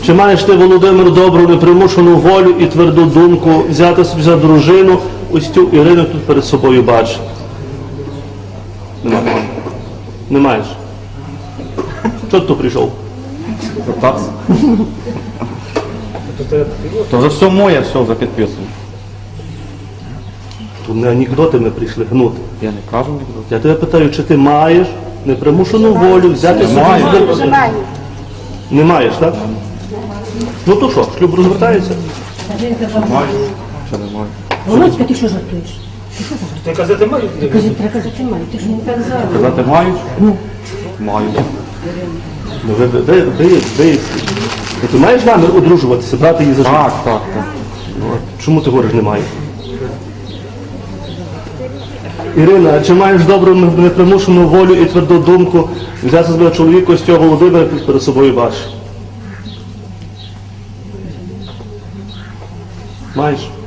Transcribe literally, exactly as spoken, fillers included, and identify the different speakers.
Speaker 1: Чи маєш ти, Володимир, добру, непримушену волю і тверду думку взяти собі за дружину ось цю Ірину тут перед собою бачиш? Немає. Не маєш. Чого ти тут прийшов?
Speaker 2: Питатися. То вже все моє, все вже підписано.
Speaker 1: Тут не анекдоти ми прийшли гнути.
Speaker 2: Я не кажу нікуди.
Speaker 1: Я тебе питаю, чи ти маєш непримушену волю взяти собі
Speaker 2: Маю.
Speaker 1: за дружину? Не маєш, так? Ну то що, шлюб розвертається?
Speaker 2: Маю. Ще не маю.
Speaker 3: Володька, ти що жартуєш?
Speaker 4: Ти казати маю?
Speaker 3: Кажи, треба казати маю, ти ж не так зараз.
Speaker 2: Казати маю? Маю.
Speaker 1: Ну, ви, ви, ви, ви, ви, ти маєш намір одружуватися, брати її за життя?
Speaker 2: Так, так, так.
Speaker 1: Чому ти говориш немає? Ірина, а чи маєш добру непримушену волю і тверду думку взяти себе чоловіка ось цього Володимира перед собою бачиш? Маєш?